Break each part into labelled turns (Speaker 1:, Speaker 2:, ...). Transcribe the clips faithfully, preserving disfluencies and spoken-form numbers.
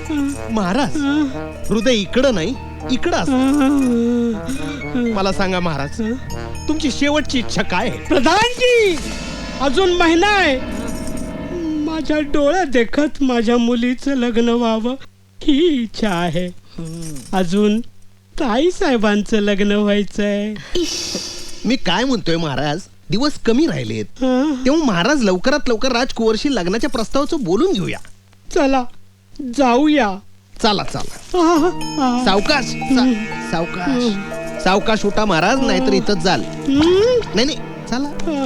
Speaker 1: महाराज हृदय इकडं नाही इकडं असतं. मला सांगा महाराज, तुमची शेवटची इच्छा काय आहे?
Speaker 2: प्रधानजी, अजून महिना आहे. माझ्या डोळ्यात देखत माझ्या मुलीचं लग्न व्हावं ही इच्छा आहे. अजून ताई साहेबांचं लग्न व्हायचंय.
Speaker 1: मी काय म्हणतोय महाराज, दिवस कमी राहिलेत,
Speaker 2: हं?
Speaker 1: तेव्हा महाराज लवकरात लवकर राजकुंवरशी लग्नाच्या प्रस्तावाचं बोलून घेऊया.
Speaker 2: चला जाऊया.
Speaker 1: चला चला
Speaker 2: आह, आह.
Speaker 1: सावकाश सा- सावकाश सावकाश उठा महाराज, नाहीतर इथंच जाल.
Speaker 2: हं?
Speaker 1: नाही नाही चला.
Speaker 2: आह.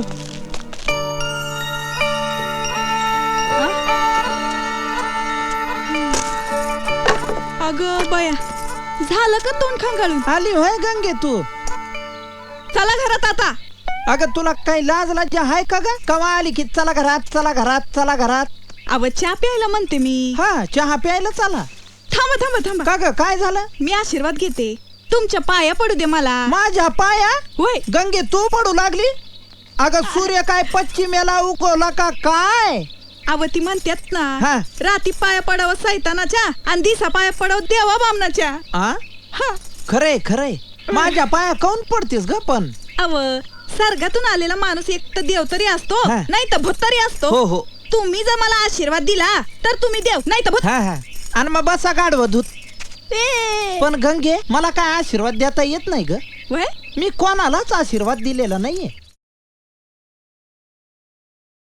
Speaker 3: अगं बया, झालं का तोंड खंगाळून?
Speaker 4: आली होय गंगे तू?
Speaker 3: चला घरात आता.
Speaker 4: अगं तुला काही लाज लाज आहे का ग? कवा आली की चला घरात चला घरात चला घरात.
Speaker 3: अव चहा प्यायला म्हणते मी.
Speaker 4: हा चहा प्यायला चला.
Speaker 3: थांबा थांबा थांबा,
Speaker 4: का ग काय झालं?
Speaker 3: मी आशीर्वाद घेते. तुमच्या पाया पडू दे मला.
Speaker 4: माझ्या पाया?
Speaker 3: होय.
Speaker 4: गंगे तू पडू लागली? अगं सूर्य काय पश्चिमेला उगवला का काय?
Speaker 3: अव ती म्हणतात
Speaker 4: हा.
Speaker 3: ना, राती पाया पडावं सैतानाच्या आणि दिसा पाया पडावं देवा बामनाच्या.
Speaker 4: आ
Speaker 3: हा.
Speaker 4: खरंय खरंय. माझ्या पाया काऊन पडतेस ग? पण
Speaker 3: अव सर्गातून आलेला माणूस एक तर देव तरी असतो,
Speaker 4: हा.
Speaker 3: नाही तर भूत तरी असतो.
Speaker 4: हो हो.
Speaker 3: तुम्ही जर मला आशीर्वाद दिला तर तुम्ही देव, नाही तर भूत.
Speaker 4: हा हा. आणि मग बसा गाडव धूत.
Speaker 3: ए.
Speaker 4: पण गंगे मला काय आशीर्वाद देता येत नाही ग.
Speaker 3: होय?
Speaker 4: मी कोणालाच आशीर्वाद दिलेला नाहीये.